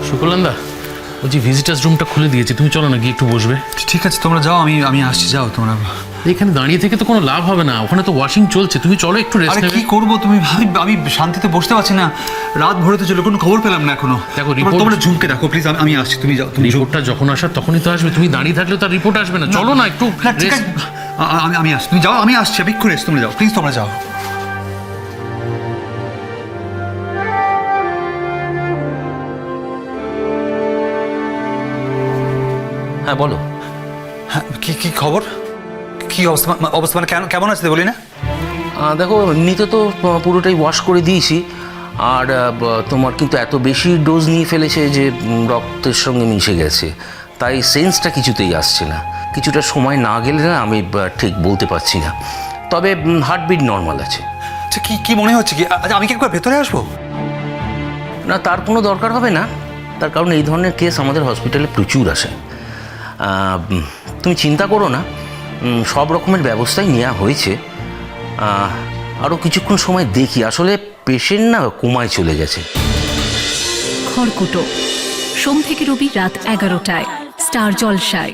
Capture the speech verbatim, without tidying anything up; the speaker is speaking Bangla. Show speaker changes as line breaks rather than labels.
সুকলান্দা, বলছি ভিজিটার্স রুমটা খুলে দিয়েছে, তুমি চলো না গিয়ে একটু বসবে।
ঠিক আছে তোমরা যাও, আমি আমি আসছি, যাও তোমরা।
এখানে দাঁড়িয়ে থেকে তো কোনো লাভ হবে না, ওখানে তো ওয়াশিং চলছে, তুমি চলো একটু রেস্ট
আরে
নেবে।
কি করবো তুমি, আমি আমি শান্তিতে বসতে পারছি না, রাত ভরে তো চলো, কোনো খবর পেলাম না এখনো।
দেখো,
তোমরা-
report-
তোমরা ঝুমকে দেখো প্লিজ, আমি আসছি, তুমি যাও। তুমি ঝুম-
রিপোর্টটা যখন আসার তখনই তো আসবে, তুমি দাঁড়িয়ে থাকলে তার রিপোর্ট আসবে না। চলো না একটু
না, ঠিক
rest-
আছে, আ- আ- আমি আমি আসছি, তুমি যাও, আমি আসছি, আমি এক্ষুনি এসছি, তোমরা যাও প্লিজ, তোমরা যাও।
হ্যাঁ বলো।
হ্যাঁ, কি কি খবর, কি অবস্থা, মা- অবস্থা মানে কেন, কেমন আছে বলি না?
আহ, দেখো এমনিতে তো আহ, পুরোটাই ওয়াশ করে দিয়েছি, আর আহ, ব- তোমার কিন্তু এত বেশি ডোজ নিয়ে ফেলেছে যে উম, রক্তের সঙ্গে মিশে গেছে, তাই সেন্সটা কিছুতেই আসছে না। কিছুটা সময় না গেলে না আমি আহ, ঠিক বলতে পারছি না, তবে হার্টবিট নর্মাল আছে।
আচ্ছা কি কি মনে হচ্ছে কি, আচ্ছা আমি কি একবার ভেতরে আসবো?
না, তার কোনো দরকার হবে না, তার কারণ এই ধরনের কেস আমাদের হসপিটালে প্রচুর আসে। আহ, উম, তুমি চিন্তা করো না, উম, সব রকমের ব্যবস্থাই নেওয়া হয়েছে। আহ, আরও কিছুক্ষণ সময় দেখি, আসলে পেশেন্ট না কোমায় চলে গেছে।
খড়কুটো সোম থেকে রবি রাত এগারোটায় স্টার জলসায়।